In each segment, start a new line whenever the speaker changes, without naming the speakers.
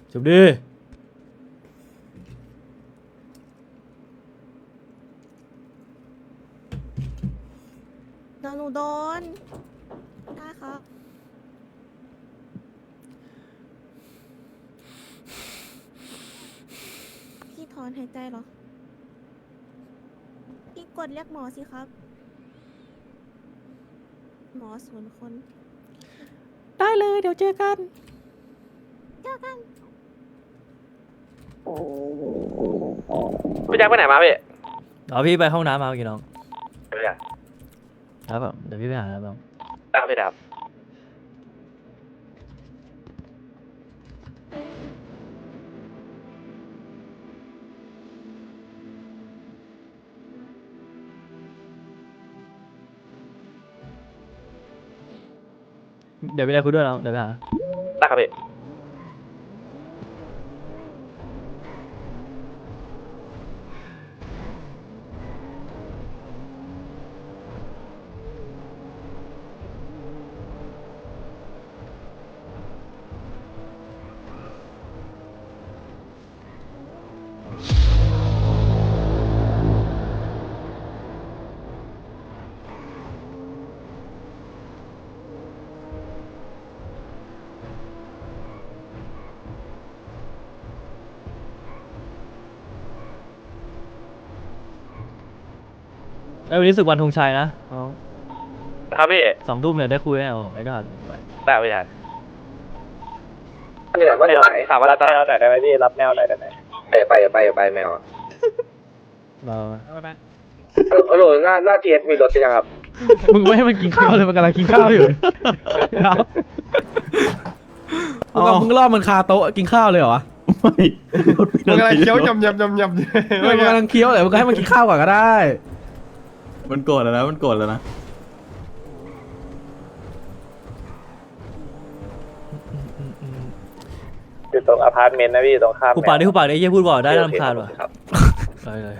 จบดิ
เดี๋ยวหนูโดนได้ครับ พี่ถอนหายใจเหรอ พี่กดเรียกหมอสิครับ หมอศูนย์คน
ได้เลยเดี๋ยวเจอกัน
เจอกัน
พี่แจ็คไปไหนมาพี่
พี่ไปห้องน้ำมาเมื่อกี้น้อง
ไปไหน
ครับผมเดี๋ยวพี่ไปหาแล้วน้อง
ตามไปดับ
เดี๋ยวไปได้คุยด้วยน้องเดี๋ยวไปหา
ได้ครับพี่
วันนี้ศึกวันธงชัยนะน้อง
ครับพี่
2 ทุ่มเนี่ยได้คุยแน่โอ้ไม่ก็ไป
ได้พี่แจ็คนี่แหละว่าไหนถามว่ารับแนวไหนได้ไหมพี่รับแนวไหนได้ไหมไปแมว
เรา
โอ้โหหน้าเทียมีรถยังครับ
มึงไม่ให้มันกินข้าวเลยมันกำลังกินข้าวอยู่มึงล่อมันคาโต๊ะกินข้าวเลยเหรอวะ
มันกำลังเคี้ยวยำ
มันกำลังเคี้ยวเลยมึงก็ให้มันกินข้าวก่อนก็ได้
มันโกรธแล้วนะมันโกรธแล้วนะ
อยู่ตรงอพาร์ตเมนต์นะพี่ตรงข้าม
กูปากดิกูปากดิเยี่ยพูดบอกได้รำคาญว่ะ
ครับ
เลย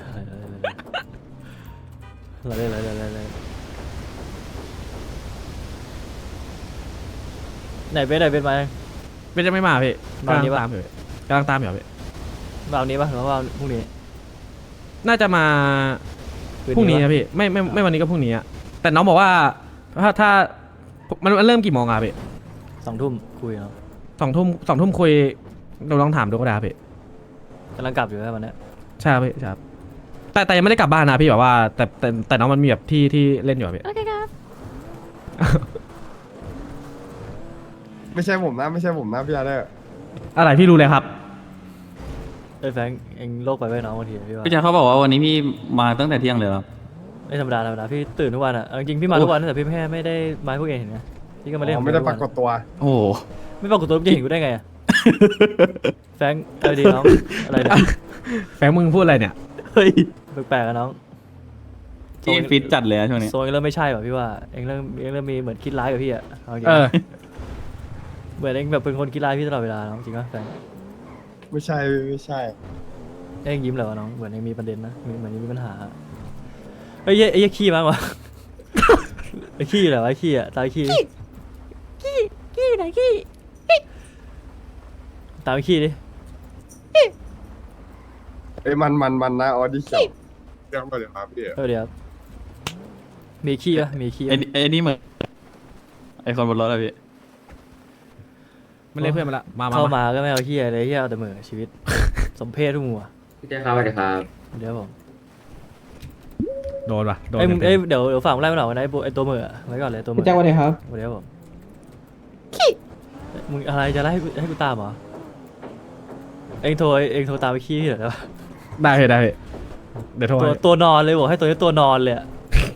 ไหนเป็นมา
เป็นจะไม่มาพี่
มา
กำลั
นี้
ง
ปะ
ตามอยู่กำลังตามอยู่พี่
มาวันนี้ปะหรือว่าพรุ่งนี้
น่าจะมาพรุ่งนี้นะพี่ไม่วันนี้ก็พรุ่งนี้อะแต่น้องบอกว่าถ้ามันเริ่มกี่โมงอะพี่
2 ทุ่มคุยเนาะ
2 ทุ่มคุยเราลองถามดูก็ได้พี่
กำลังกลับอยู่แค่วันนี้
ใช่ครับพี่ใช่ครับแต่ยังไม่ได้กลับบ้านนะพี่แบบว่าแต่น้องมันมีแบบที่เล่นอยู่อะพี่
โอเคครับ
ไม่ใช่ผมนะพี่อาร์เดอร์
อะไรพี่รู้เลยครับ
แฟงเองโลกไปไว้น้องบางทีพี่ว่า
พี่แจ๊คเขาบอกว่าวันนี้พี่มาตั้งแต่เที่ยงเลยเหรอ
ไม่ธรรมดาพี่ตื่นทุกวันอ่ะจริงพี่มาทุกวันแต่พี่แค่ไม่ได้มาพวกเองเห็นไงพี่ก็มาเล่น
ไม่ได้ปรากฏตัว
โอ้โห
ไม่ปรากฏตัวจะเห็นกูได้ไงแฟงเอาดีน้องอะไรเนี่ย
แฟงมึงพูดอะไรเนี่ย
เฮ้ย
แปลกๆอะน้อง
พี่ฟิตจัดเลยอะช่วงนี้
โซนเริ่มไม่ใช่ป่ะพี่ว่าเองเริ่มมีเหมือนคิดร้ายกับพี่อ่ะเอาจริง เหมือนเองแบบเป็นคนคิดร้ายพี่ตลอดเวลาน้องจริงป่ะแฟง
ไม่ใช่
เองยิ้มเลยวะน้องเหมือนเองมีประเด็นนะเหมือนมีปัญหาไอ้เหี้ยขี้มั้งวะไอ้ขี้เหรอไอ้ขี้อ่ะตายขี้
กี้ไหนกี้
ตามขี้ดิ
เอ้ยมันนะออดิชั่นเรื่องอะไรครับพี่
เดี๋ยวมีขี้ปะมีขี้
ไอ้นี่เหมือนไอ้คนบนรถอะพี่
มันเรียกเพื่อนมาละมา
เข้ามาก็ไม่เอาขี้อะไรที่เอาแต่เหมือชีวิต สมเพศทุกมัว
พี่เจ้าครับสวัสดีครับ
เดี๋ยวผม
โดนว่ะโดน
เอ้ยมึง
เต็ม
เดี๋ยวฝั่งไล่มาหน่อยวันไหนไอ้ตัวเหมือไว้ก่อนเลยตัวเหมือ
พี่เจ้าสวัสดีครับ
เดี๋ยวผมมึงอะไรจะไล่ให้กูตามเหรอเองโทรตามไปขี้เหรอ
ได้พี่เดี๋ยวโทรให้
ตัวนอนเลยบอกให้ตัวนี้ตัวนอนเลยอะ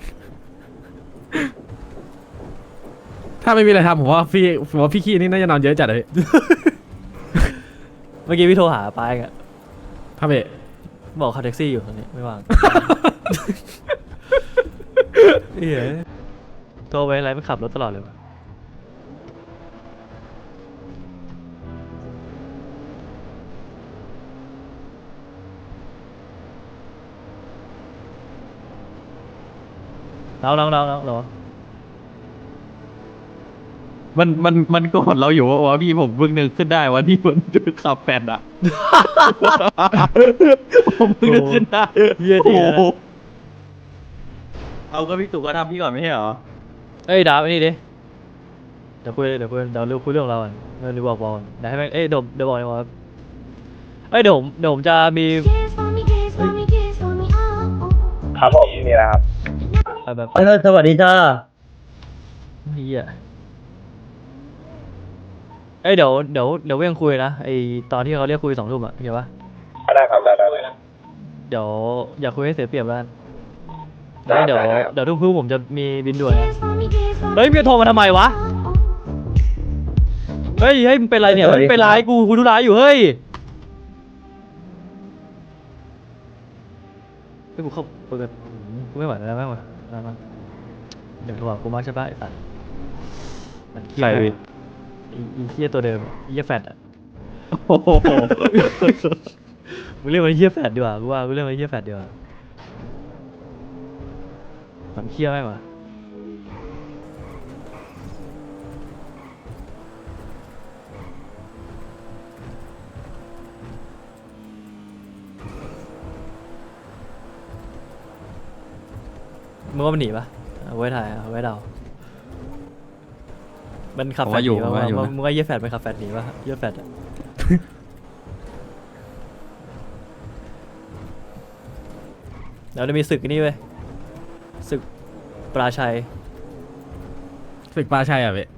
ถ้าไม่มีอะไรทำผมว่าพี่ขี้นี่น่าจะนอนเยอะจัดเลยพี่
เมื่อกี้พี่โทรหาปายอ่ะ
ครับพี่
บอกขับแท็กซี่อยู่ตอนนี้ไม่ว่าง เฮ้ยโทรไปอะไรไม่ขับรถตลอดเลยวะน้อง
มันโกรธเราอยู่ว่าพี่ผมเพิ่งนึกขึ้นได้ว่าที่มันขับแฟนอ่ะ ผมเพิ่งนึกขึ้นได้
เหี้ยจริงนะ
โอ้โหเอาก็พี่ตู่ก็ทำพี่ก่อนไม่ใช่เหรอ
เอ้ยดาบไอ้นี่ดิเดี๋ยวคุยเดี๋ยวคุยเดี๋ยวคุยเรื่องของเราก่อนเดี๋ยวบอกก่อนเดี๋ยวให้แม่งเอ้ยเดี๋ยวบอกเลยว่าเอ้ยเดี๋ยวผมจะมี
ครับผมนี่นะครับ
แบบ
สวัสดีจ้า
เฮียเอ้ยเดี๋ยวเว้งคุยนะไอตอนที่เขาเรียกคุย2 ทุ่มอะเข้าปะ
ได้ครับได้
เดี๋ยวอย่าคุยให้เสียเปรียบแล้วกัน
ได้
เดี๋ยว
ได้ครับ
เดี๋ยวทุ่มผมจะมีบินด่วนเฮ้ยมึงจะโทรมาทำไมวะเฮ้ยมึงเป็นไรเนี่ยมึงเป็นไรกูธุระอยู่เฮ้ยเฮ้ยกูเข้าเปิดกูไม่ไหวแล้วแม่งว่ะมาเดี๋ยวโทรหากูมากใช่ปะไอ้สัตว์มันเหี้ย
ใครพี่
ไอ้เหี้ยตัวเดิมไอ้เหี้ยแฟดอะ
โอ้โห
มึงเรียกมันเหี้ยแฟดดีกว่ากูว่ากูเรียกมันเหี้ยแฟดดีกว่ามันเหี้ยแม่งว่ะมึงว่ามันหนีปะเอาไว้ถ่ายเอาไว้เดามันขับแฟดหนีปะมึงว่าเหี้ยแฟดมันขับแฟดหนีปะเหี้ยแฟดอะ เดี๋ยวจะมีศึกอันนี่เว้ยศึกปราชัย
ศึกปลาชัยอ่ะเว้ย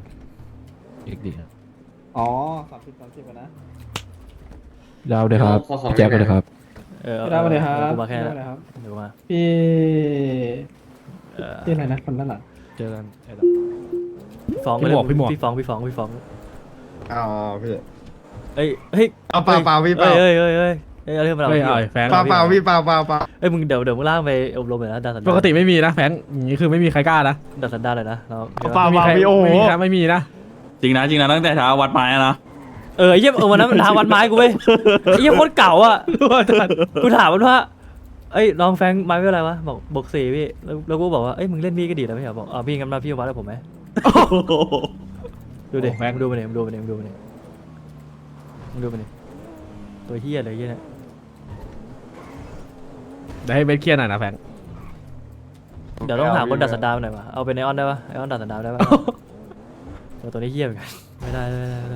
อ๋อ30 นะ
ดาวเลยครับแจ็คเลยครับ
พี่ดาวสวัสดีครับ
กูมาแค่
พี่
นั้
ดาวน สวัสดีครับ
เดี๋ยวกูมา
พี่
เอ่อ
พี่อะไรนะคนด้านหลัง
เจอกัน
พี่ฟ้อง
พี่หมวกพี่หมวก
พี่ฟ้อง
อ๋อพี่
เอ้ยเฮ้ย
เอาเปล่าพี่เปล่า
เอ้ยเอาเรื่องมาเรา
เฮ้ยเอาไอ้แฟง
เปล่าพี่เปล่า
เอ้ยมึงเดี๋ยวมึงล่างไปอบรมเลยนะดัดสันดาน
ปกติไม่มีนะแฟงอย่างนี้คือไม่มีใครกล้านะ
ดัดสันดานเลยนะเรา
เปล่า
ไม่มีใคร
พี่โอ้โห
ไม่มีนะไม่มีนะ
จริงนะตั้งแต่เช้าวัดไม้อะนะ
ไอ้เหี้ยวันนั้นมันทางวันไม้กูเว้ยไอ้เหี้ยโคตรเก่าอ่ะกูถามมันว่าเอ้ยลองแฟงไม้เป็นอะไรวะบอก4พี่แล้วกูบอกว่าเอ้ยมึงเล่นมีดก็ดีแล้วไม่ใช่เหรอบอกพี่งั้นมาพี่วัดกับผมไหมดูดิ
โอ้แฟง
มึงดูมันดิมึงดูมันดิตัวเหี้ยเลยเหี้ยเนี่ย
เดี๋ยวให้เบสเคลียร์หน่อยนะแฟง
เดี๋ยวต้องหาคนดัดสันดานหน่อยวะเอาเป็นไอออนได้ปะไอออนดัดสันดานได้ปะตัวนี้เหี้ยเหมือนกันไม่ได้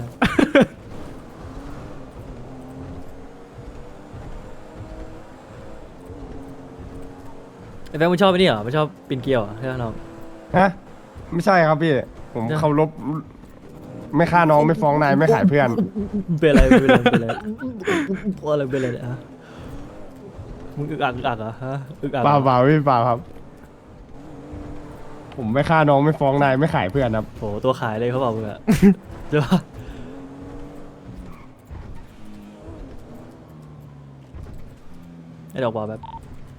ไอ้แฟนมึงชอบไอ้นี่เหรอไม่ชอบปีนเกลียวเหรอใช่ไหมน้อง
ฮะไม่ใช่ครับพี่ ผมเคารพไม่ฆ่าน้องไม่ฟ้องนายไม่ขายเพื่อน
เป็นอะไรเพราะอะไรเป็นอะไรเนี่ยฮะมึงอึกอักเหรอฮะอึกอัก
เปล่าพี่เปล่าครับ ผมไม่ฆ่าน้องไม่ฟ้องนายไม่ขายเพื่อนครับ
โหตัวขายเลยเขาบอกมึงอะใช่ปะไอ้ดอกบอกแบบ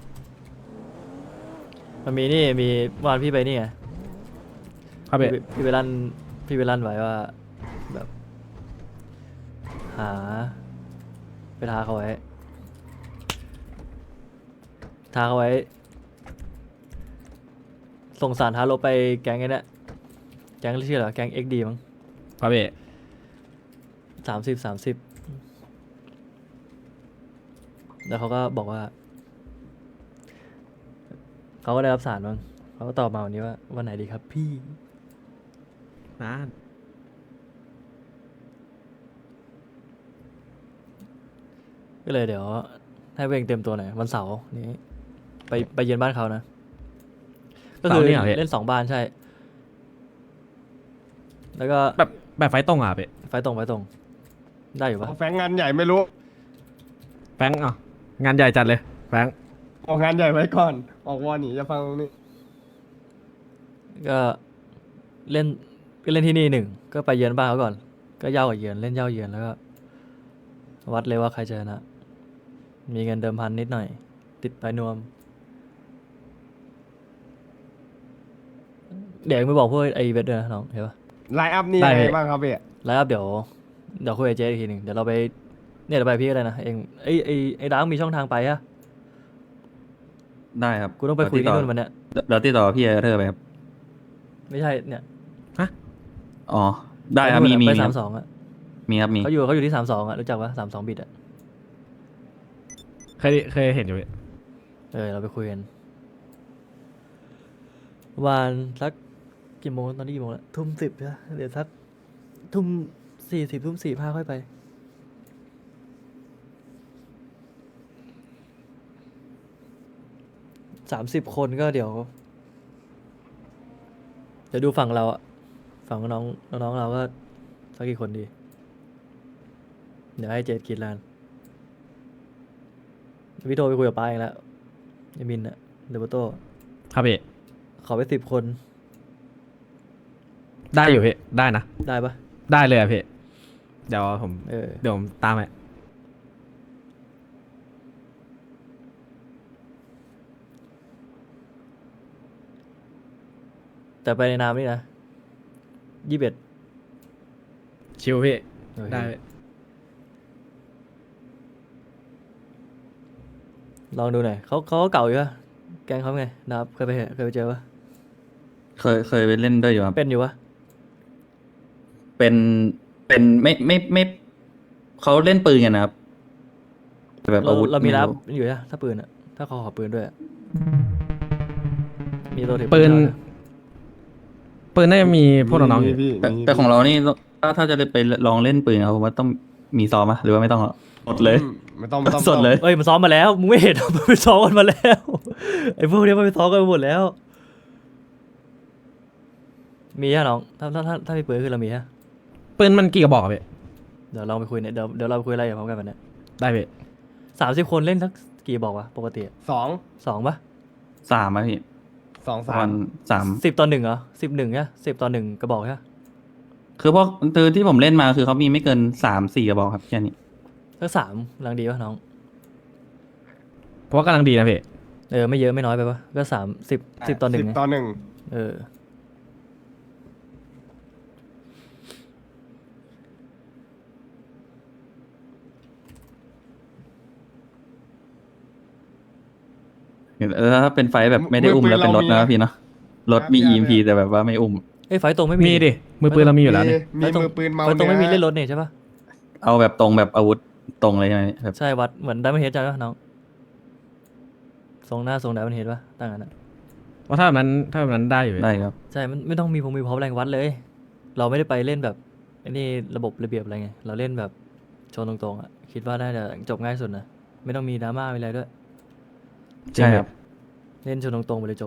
มันมีนี่มีวันพี่ไปนี่ไง
ครับเบส
พี่ไปลั่นไว้ว่าแบบหาไปท้าเขาไว้ส่งสารท้าลบไปแก๊งไอ้เนี่ยแก๊งชื่ออะไรวะแก๊ง XD มั้ง
ครับเบส
30แล้วเขาก็บอกว่าเขาก็ได้รับสารบ้างเขาก็ตอบมาวันนี้ว่าวันไหนดีครับพี่
นะ
ก็เลยเดี๋ยวให้เวงเต็มตัวหน่อยวันเสาร์นี้ไปเยือนบ้านเขานะ ก็คือเล่น2 บ้านใช่ แล้วก็
แบบไฟตรงอ่ะเบส
ไฟตรงได้อยู่ปะ
แฟงงานใหญ่ไม่รู้
แฟงอ่ะงานใหญ่จัดเลยแฟง
ออกงานใหญ่ไว้ก่อน ออกวอหนีจะฟังตรงนี้
ก็เล่นที่นี่1ก็ไปเยือนบ้านเขาก่อน ก็เย่ากับเยือนเล่นเย่าเยือนแล้วก็วัดเลยว่าใครจะชนะมีเงินเดิมพันนิดหน่อย ติดไปนวม เดี๋ยวไม่บอกพวกไอ้เวทด้วยนะน้องเห็นปะ
ไลน์อัพนี่ยังไงบ้างครับพี่
แล้วเดี๋ยวคุยกับเจ๊อีกทีหนึ่งเดี๋ยวเราไปเนี่ยเราไปพี่ก็ได้นะเองไอ้ดังมีช่องทางไปอะ
ได้ครับ
กูต้องไปคุยที่นู่นวันเนี้ย
เดี๋ยวติดต่อพี่เอเธอร์ไปครับ
ไม่ใช่เนี่ย
อ๋อได้ครับ
ป
มี
นู่นอะ
มี
ไป
มี
32อ่ะ
มีครับมี
เขาอยู่ที่32อ่ะรู้จักปะ32บิตอ่ะ
เคยเห็นอยู่พี่
เราไปคุยกันวันสักกี่โมงตอนนี้กี่โมงแล้วทุ่ม10ใช่ไหมเดี๋ยวสักทุ่ม40ทุ่ม45ค่อยไป30 คนก็เดี๋ยวดูฝั่งเราอะฝั่งน้องเราก็สักกี่คนดี เดี๋ยวให้เจดคิดแล้วกันพี่โทรไปคุยกับป้าเองแล้วยามินอะเดบโต้
ครับพี่
ขอไป10 คน
ได้อยู่พี่ได้นะ
ได้ปะ
ได้เลยอะพี่เดี๋ยวผม
เออ
เดี๋ยวผมตามไป
แต่ไปในนามนี่นะ21
ชิวพี่
โอเค
ได้
ลองดูหน่อยเขาก็เก่าอยู่ปะแกงเขาไงนะครับเคยไปเจอปะ
เคยไปเล่นด้วยอยู่ครับ
เป็นอยู่ปะ
เป็นไม่เขาเล่นปืนกันนะครับแต่แบบอาวุธ
เรามีรับ
ไรู้
อยู่นะถ้าปืนอะถ้าเขาขอปืนด้วยอะมีตัวถือ
ปืน
ด้วยะ
ปืนน่าจะมีพวกน้องๆอยู่
พี่
แต่ของเรานี่ถ้าจะไปลองเล่นปืนครับผมว่าต้องมีซ้อมอะหรือว่าไม่ต้องหรอหมดเลย
ไม่ต้อง
สดเลย
เอ้ยมันซ้อมมาแล้วมึงไม่เห็น มันไปซ้อมกันมาแล้วไอ้พวกเนี้ยมันไปซ้อมกันมาหมดแล้ว มีฮะน้องถ้ามีปืนคือเรามีฮะ
ปืนมันกี่กระบอกอะพี่
เดี๋ยวลองไปคุยเนี่ยเดี๋ยวเราไปคุยอะไรกับพร้อมกันวันเนี้ย
ได้พี่
30 คนเล่นสักกี่บอกวะปกติอะ 2ปะ
3อะพี่ ประมาณ3
10 ต่อ 1เหรอ11เนี่ย10 ต่อ 1กระบอกใช่ปะ
คือพวกที่ผมเล่นมาคือเขามีไม่เกิน3-4กระบอกครับแค่นี้
สัก3กำลังดีปะน้อง
เพราะว่ากำลังดีนะพี่
ไม่เยอะไม่น้อยไปปะก็10 ต่อ 1ไง
10 ต่อ 1
เออ
ถ้าเป็นไฟท์แบบไม่ได้อุ้มแล้วเป็นรถนะพี่เนาะรถมี EMP แต่แบบว่าไม่อุ้ม
ไฟตรงไม่มี
มีดิมือปืนเรามีอยู่แล้วนี่
มีมือปืนเมา
ไฟตรงไม่มี
นื้อ
เล่นรถเนี่ยใช่ปะ
เอาแบบตรงแบบอาวุธตรงเลยใช่ไหมแบบ
ใช่วัดเหมือนไดมอนด์เฮดจ้ะน้องทรงหน้าทรงไดมอนด์เฮดปะตั้งนั้นอะ
ว่าถ้าแบบนั้นได้อยู่พี่
ได้ครับ
ใช่มันไม่ต้องมีพร้อมแรงวัดเลย เราไม่ได้ไปเล่นแบบไอ้นี่ระบบระเบียบอะไรไงเราเล่นแบบชนตรงๆอ่ะคิดว่าน่าจะจบง่ายสุดนะไม่ต้องมีดราม่าอะไรด้วย
ใช่ครับ
เล่นชนตรงๆไปเลยจบ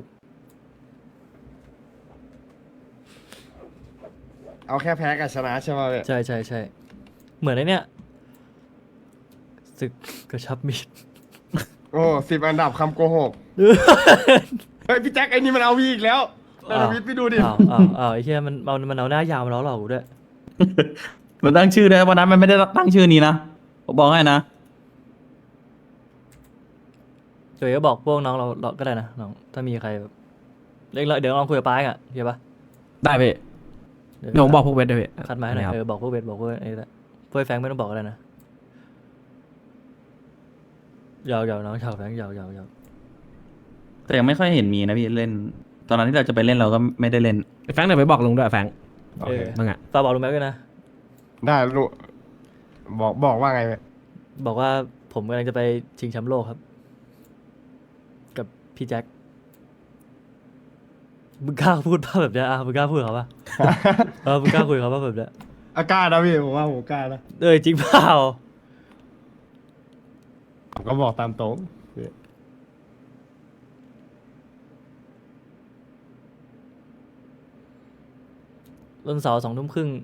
เอาแค่แพ้กับชนะใช่ไหมพี่
ใช่เหมือนไอ้เนี่ยศึกกระชับมิตร
โอ้10 อันดับคำโกหก เฮ้ยพี่แจ็คไอ้นี่มันเอาพี่อีกแล้วนาวิทย์พี่ดูดิ
อ้าวไอ้เหี้ยมันเอาหน้ายาวมาล้อเราด้วย
มันตั้งชื่อด้วยวันนั้นมันไม่ได้ตั้งชื่อนี้นะผมบอกให้นะ
เดี๋ยวก็บอกพวกน้องเราก็ได้นะน้องถ้ามีใครแบบเดี๋ยวลองคุยกับป้าอ่ะเข้าปะ
ได้พี่เดี๋ยวผมบอกพวกเวทด้วยพี่
คัดมาให้หน่อย
ครับ
บอกพวกเวทบอกพวกไอ้ละพวกไอ้แฟงไม่ต้องบอกก็ได้นะยาวน้องชาวแฟงยาว
แต่ยังไม่ค่อยเห็นมีนะพี่เล่น ตอนนั้นที่เราจะไปเล่นเราก็ไม่ได้เล่น
ไอ้แฟงเดี๋ยวไปบอกลุงด้วยแฟง
โอเค
มึงอ่ะ
ฝากบอกลุงแม็กด้วยนะ
ได้ลูกบอกว่าไงพี่
บอกว่าผมกำลังจะไปชิงแชมป์โลกครับ กับพี่แจ็คมึงกล้าพูดป่ะแบบเนี้ยมึงกล้าพูดกับเขาป่ะ มึงกล้าคุยกับเขาป่ะแบบเนี้ย
อากล้านะพี่ผมว่าผมกล้านะ
จริงเปล่า
ผมก็บอกตามตรงพี่
วันเสาร์2 ทุ่มครึ่ง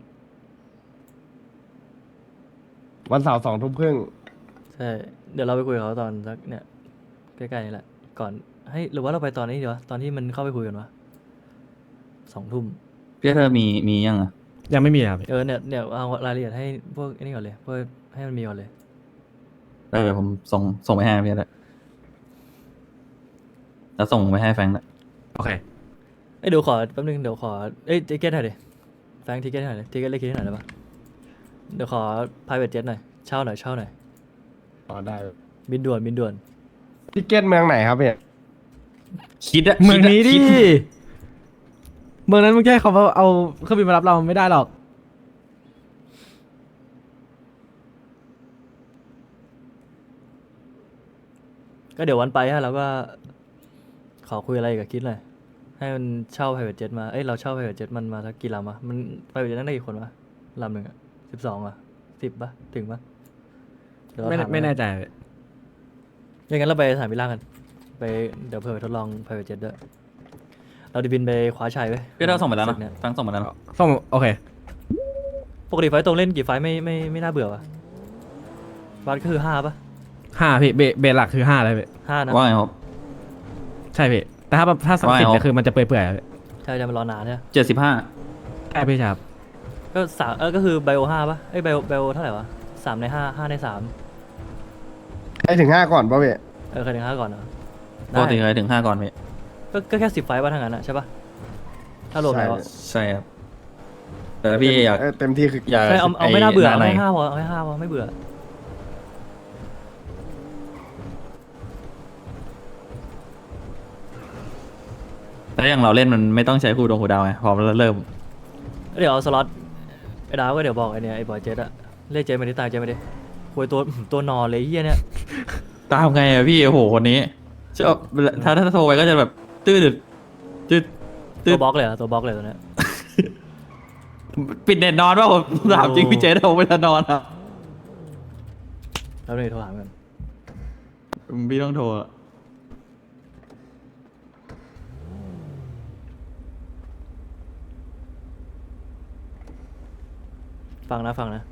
วันเสาร์2 ทุ่มครึ่ง
ใช่เดี๋ยวเราไปคุยกับเขาตอนสักเนี่ยใกล้ๆนี่แหละก่อนให้หรือว่าเราไปตอนนี้ดีวะตอนที่มันเข้าไปคุยกันวะ2 ทุ่ม
พี่เธอมียังอ่ะ
ยังไม่มีครับพี่
เนี่ยเอารายละเอียดให้พวกไอ้นี่ก่อนเลยพวกให้มันมีก่อนเลย
ได้เดี๋ยวผมส่งไปให้พี่แล้วแล้วส่งไปให้แฟงแล้ว
โอเค
เดี๋ยวขอแป๊บนึงเดี๋ยวขอทิเก็ตหน่อยดิแฟงทิเก็ตหน่อยดิทิเก็ตเลขคิดหน่อยได้ปะเดี๋ยวขอ private jet หน่อยเช่าหน่อย
อ๋อได้
บินด่วน
ทิเก็ตเมืองไหนครับพี่
คิดอะ
เมืองนี้ดิ
คิ
เมืองนั้นมึงแค่เขาเอาเครื่องบินมารับเราไม่ได้หรอก
ก็เดี๋ยววันไปฮะเราก็ขอคุยอะไรกับคิดเลยให้มันเช่า private jet มาเอ้ยเราเช่า private jet มันมาสักกี่ลำวะมัน private jet นั่งได้กี่คนวะลำหนึ่งอะ12อะ10ปะถึงปะเดี๋ยวเราถา
ไม่แน่ใจ
อย่างนั้นเราไปสนามบินล่างกันไปเดี๋ยวเผื่อไปทดลอง private jet ด้วยเราจะบินไปคว้าชัยไว้ย
พี่เราส่งไปแล้ว
ศึ
นะ
กเนี่ย
ทั้งส่งไปแล้วนะ
ส่งโอเค
ปกติไฟล์ตรงเล่นกี่ไฟล์ไม่น่าเบื่อวะบัสก็คือ5ปะ
5พี่เบสหลักคือ5เลยพี่
5นะ
ว่าไงครับ
ใช่พี่แต่ถ้าสัก
ว่าไง
10
ครั
เนี่ย
บ
คือมันจะเปื่อยๆอะพี่
ใช่จะมารอนานเนี่ย
75
ใช่พี่ครับ
ก็ก็คือไบโอ5ปะเอ้ยไบโอเท่าไหร่วะ3 ใน 5 5 ใน 3
ให้ถึง5ก่อนป่ะเว้ย
ใครถึง5ก่อนเหรอ
ปกติ
ได้
เคยถึง 5 ก่อนพี่
ก็แค่10 ไฟล์ป่ะทั้งนั้นอะใช่ปะถ้ารวมแล้วอะ
ใช่ครับ แต่ถ้าพี่อยาก
เต็มที่คือ
อยาก
ใช่เอาไม่น่าเบื่อเอา
ใน
ให้5พอเอาให้5พอไม่เบื่อ
แล้วอย่างเราเล่นมันไม่ต้องใช้คูดงคูดาวไงพอเราเริ่ม
เดี๋ยวเอาสล็อตไอ้ดาวก็เดี๋ยวบอกไอ้เนี่ยไอ้บอยเจ็ตอะเรียกเจ็ตมาดิตายเจ็ตมาดิคุยตัวนอนเลยไอ้เฮียเนี่ย
ตามไงอะพี่โอ้โหคนนี้ชอบถ้าโทรไปก็จะแบบตื้อดึดตื้อ
ตัวบล็อกเลยเหรอตัวบล็อกเลยตัวเนี้ย
ปิดเน็ตนอนว่าผมถามจริงพี่เจเอาเวลานอนอะ
แล้วนี่โทรหากัน
พี่ต้องโทรอะ
ฟังนะ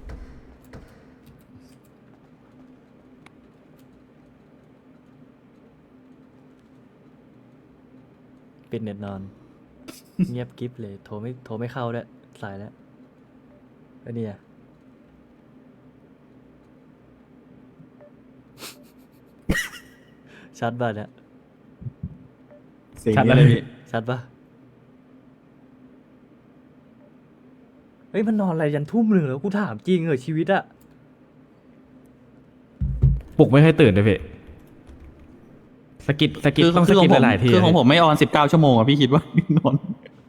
ปิดเน็ตนอน เงียบกริฟเลยโทรไม่เข้าด้วยสายแล้วอันนี้อะ ชัดป่ะเนี่ย
ชัดเลยพี่
ชัดป่ะเฮ้ยมันนอนอะไรยันทุ่มหนึ่งแล้วกูถามจริงเหรอชีวิตอะ
ปลุกไม่ให้ตื่นเลยพี่สกิดต้องสกิดหลายๆที
คือของผมไม่ออน19 ชั่วโมงอะพี่คิดว่านอน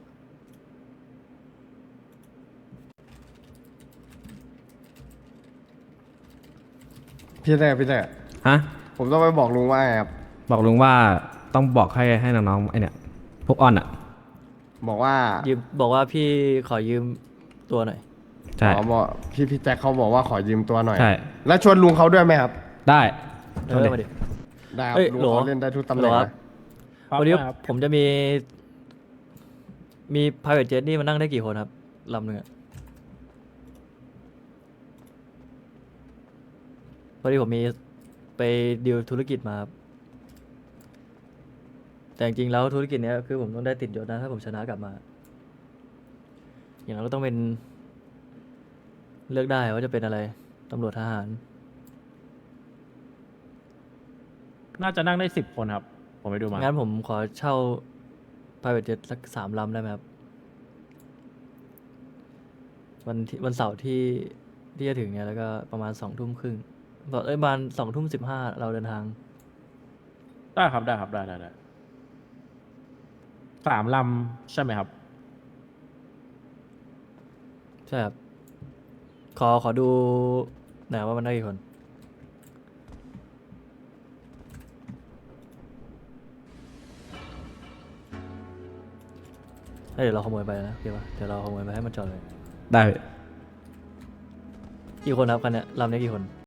พี่แต่
ฮะ
ผมต้องไปบอกลุงว่าไงครับ
บอกลุงว่าต้องบอกให้น้องๆไอเนี่ยพวกออนอ่ะ
บอกว่า
บอกว่าพี่ขอยืมตัวหน่อย
ใช่
อ๋อบอกพี่แจ็คเขาบอกว่าขอยืมตัวหน่อย
ใช่
แล้วชวนลุงเขาด้วยไหมครับ
ได้
มาดิ
ได้ครับ
เอ้ย
ลุง
โหล
เขาเล่นได้ทุกตำแห
โหล
น่ง
ครับ
นะ
วันนี้ผมจะมี private jet นี่มันนั่งได้กี่คนครับลำหนึ่งอะพอดีผมมีไปดีลธุรกิจมาครับแต่จริงๆแล้วธุรกิจเนี้ยคือผมต้องได้ติดยศนะถ้าผมชนะกลับมา อย่างนั้นก็ต้องเป็นเลือกได้ว่าจะเป็นอะไรตำรวจทหาร
น่าจะนั่งได้10 คนครับ ผมไปดูมา
งั้นผมขอเช่า private jet สัก3 ลำได้ไหมครับ วันเสาร์ที่จะถึงเนี่ยแล้วก็ประมาณ2 ทุ่มครึ่งประมาณ2 ทุ่ม 15เราเดินทาง
ได้ครับได้3 ลำใช่ไหมครับ
ใช่ครับ ขอดูหน่อยว่ามันได้กี่คน เดี๋ยวเราขโมยไปนะโอเคปะเดี๋ยวเราขโมยไปให้มันจอดเลย
ได้
กี่คนครับคันเนี้ยลำนี้กี่คน